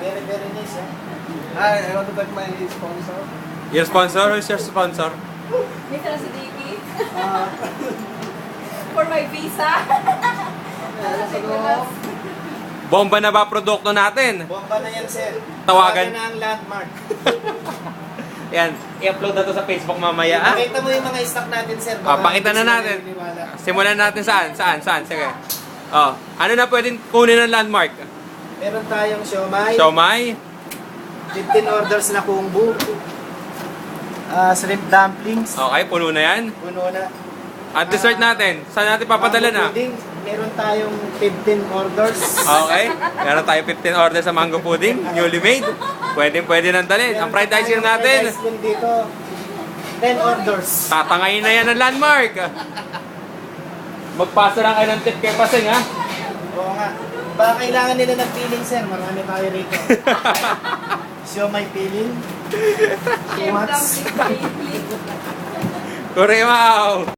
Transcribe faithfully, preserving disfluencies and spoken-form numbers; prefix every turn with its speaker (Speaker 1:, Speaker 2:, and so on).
Speaker 1: Very, very nice, eh? Ah, I want to thank my sponsor.
Speaker 2: Your sponsor? Who's your sponsor?
Speaker 3: Dito na si Dicky.
Speaker 1: Ah,
Speaker 3: For my visa.
Speaker 1: so,
Speaker 2: Bomba na ba produkto natin?
Speaker 1: bomba na yan, sir.
Speaker 2: Tawagan.
Speaker 1: na ang landmark.
Speaker 2: Yan, i-upload na to sa Facebook mamaya. Ah?
Speaker 1: Pakita mo yung mga stock natin, sir.
Speaker 2: Ah, pakita na
Speaker 1: hindi sila
Speaker 2: natin.
Speaker 1: naniniwala.
Speaker 2: Simulan natin saan? Saan? Saan? Sige. Oh, ano na pwedeng kunin ng landmark?
Speaker 1: Meron tayong siomay.
Speaker 2: Siomay?
Speaker 1: fifteen orders na kumbu. Ah, shrimp dumplings.
Speaker 2: Okay, puno na yan.
Speaker 1: Puno na.
Speaker 2: At dessert natin, saan natin papadala na?
Speaker 1: Mango pudding. Meron tayong fifteen orders.
Speaker 2: Okay, meron tayo fifteen orders sa mango pudding, newly made. Pwede, pwede nang dalhin. Ang fried ice cream natin,
Speaker 1: Fried ice cream dito. ten orders.
Speaker 2: tatangayin na yan ng landmark. Magpasa lang kayo ng tip kay Paseng, ha?
Speaker 1: Oo nga. Baka kailangan nila ng peeling, sir. Marami tayo rito. Siomay peeling. Two
Speaker 3: Shrimp
Speaker 1: months.
Speaker 3: dumpling.
Speaker 2: Kuremao!